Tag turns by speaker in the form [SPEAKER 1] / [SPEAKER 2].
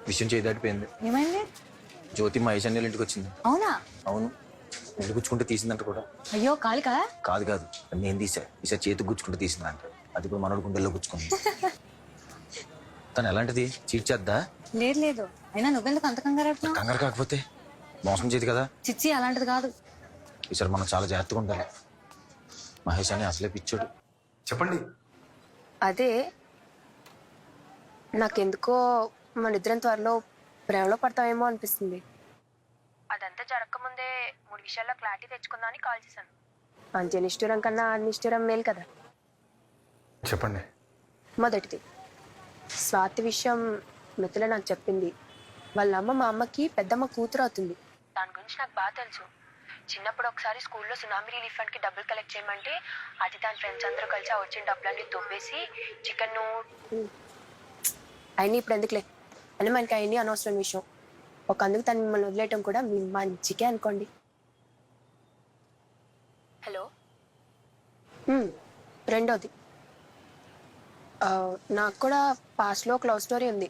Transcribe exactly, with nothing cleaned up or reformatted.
[SPEAKER 1] విషయం చేయి దాటిపోయింది.
[SPEAKER 2] ఏమైంది?
[SPEAKER 1] జ్యోతి మా ఐశాన్యాల ఇంటికి వచ్చింది.
[SPEAKER 2] అవునా?
[SPEAKER 1] అవును, ఇల్లు గుచ్చుకుంటే తీసిందంట కూడా.
[SPEAKER 2] అయ్యో కాలికా?
[SPEAKER 1] కాదు కాదు, నేను తీసా. ఈసారి చేతికి గుచ్చుకుంటే తీసిందంట. అది కూడా మనోడు గుండెల్లో గుచ్చుకుంది. తను ఎలాంటిది? చీట్ చేద్దా?
[SPEAKER 2] లేదు లేదు, అయినా నువ్వెందుకు అంత కంగారు పడుతున్నావ్?
[SPEAKER 1] కంగారు కాకపోతే మోసం చేయదు కదా.
[SPEAKER 2] చిచ్చి అలాంటిది కాదు.
[SPEAKER 1] ఈసారి మనం చాలా జాగ్రత్తగా ఉండాలి. మహేష్ అని అసలే పిచ్చోడు. చెప్పండి.
[SPEAKER 3] అదే నాకెందుకో మన ఇద్దరం త్వరలో ప్రేమలో పడతామేమో అనిపిస్తుంది. అదంతా జరగకముందే మూడు విషయాల్లో క్లారిటీ తెచ్చుకుందామని కాల్ చేశాను. అంత్య నిష్ఠూరం కన్నా నిష్ఠూరం మేలు కదా.
[SPEAKER 1] చెప్పండి.
[SPEAKER 3] మొదటిది, స్వాతి విషయం మిత్రులు నాకు చెప్పింది. వాళ్ళ అమ్మ మా అమ్మకి పెద్దమ్మ కూతురు అవుతుంది. దాని గురించి నాకు బాగా తెలుసు. చిన్నప్పుడు ఒకసారి స్కూల్లో సునామీ రిలీఫ్ ఫండ్కి డబ్బులు కలెక్ట్ చేయమంటే అది దాని ఫ్రెండ్స్ అందరూ కలిసి ఆ వచ్చిన డబ్బులన్నీ దొబ్బేసి చికెన్ అయినా ఇప్పుడు ఎందుకులే అని మనకి అవన్నీ అనవసరం విషయం. ఒక అందుకు తను మిమ్మల్ని వదిలేయటం కూడా మీ మంచికే అనుకోండి. హలో. ఉమ్, రెండోది, ఆ, నాకు కూడా పాస్ట్లో ఒక లవ్ స్టోరీ ఉంది.